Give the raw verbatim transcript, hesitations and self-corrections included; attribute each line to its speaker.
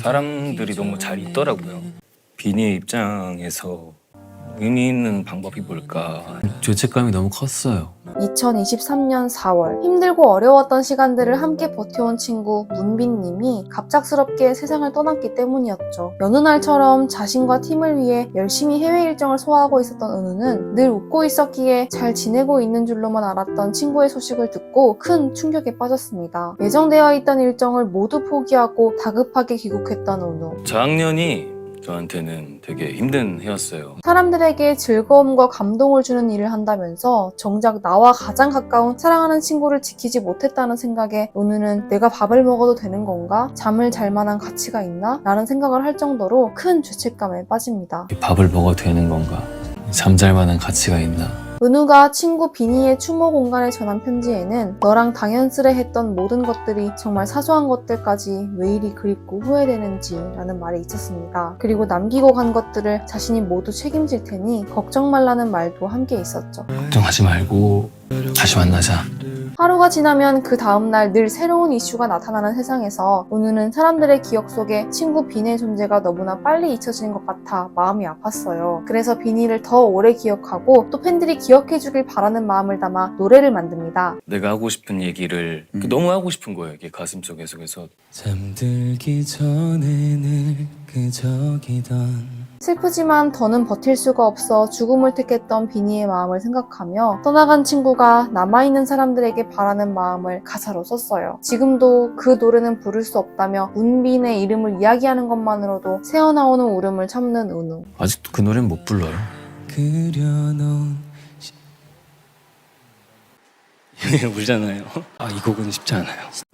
Speaker 1: 사람들이 너무 잘 있더라고요. 비니의 입장에서 의미 있는 방법이 뭘까?
Speaker 2: 죄책감이 너무 컸어요.
Speaker 3: 이천이십삼 년 사월 힘들고 어려웠던 시간들을 함께 버텨온 친구 문빈님이 갑작스럽게 세상을 떠났기 때문이었죠. 여느 날처럼 자신과 팀을 위해 열심히 해외 일정을 소화하고 있었던 은우는 늘 웃고 있었기에 잘 지내고 있는 줄로만 알았던 친구의 소식을 듣고 큰 충격에 빠졌습니다. 예정되어 있던 일정을 모두 포기하고 다급하게 귀국했던 은우.
Speaker 1: 저학년이 저한테는 되게 힘든 해였어요.
Speaker 3: 사람들에게 즐거움과 감동을 주는 일을 한다면서 정작 나와 가장 가까운 사랑하는 친구를 지키지 못했다는 생각에 은우는 내가 밥을 먹어도 되는 건가? 잠을 잘 만한 가치가 있나? 라는 생각을 할 정도로 큰 죄책감에 빠집니다.
Speaker 2: 밥을 먹어도 되는 건가? 잠잘 만한 가치가 있나?
Speaker 3: 은우가 친구 비니의 추모 공간에 전한 편지에는 너랑 당연스레 했던 모든 것들이 정말 사소한 것들까지 왜 이리 그립고 후회되는지 라는 말이 있었습니다. 그리고 남기고 간 것들을 자신이 모두 책임질 테니 걱정 말라는 말도 함께 있었죠.
Speaker 2: 걱정하지 말고 다시 만나자.
Speaker 3: 하루가 지나면 그 다음날 늘 새로운 이슈가 나타나는 세상에서 은우는 사람들의 기억 속에 친구 비니의 존재가 너무나 빨리 잊혀지는 것 같아 마음이 아팠어요. 그래서 비니를 더 오래 기억하고 또 팬들이 기억해주길 바라는 마음을 담아 노래를 만듭니다.
Speaker 1: 내가 하고 싶은 얘기를
Speaker 2: 음.
Speaker 1: 너무 하고 싶은 거예요. 이게 가슴속에서. 그래서
Speaker 2: 잠들기 전에 늘 그저기던
Speaker 3: 슬프지만 더는 버틸 수가 없어 죽음을 택했던 비니의 마음을 생각하며 떠나간 친구가 남아있는 사람들에게 바라는 마음을 가사로 썼어요. 지금도 그 노래는 부를 수 없다며 문빈의 이름을 이야기하는 것만으로도 새어나오는 울음을 참는 은우.
Speaker 2: 아직도 그 노래는 못 불러요. 그려놓은
Speaker 1: 울잖아요. 아, 이 곡은 쉽지 않아요.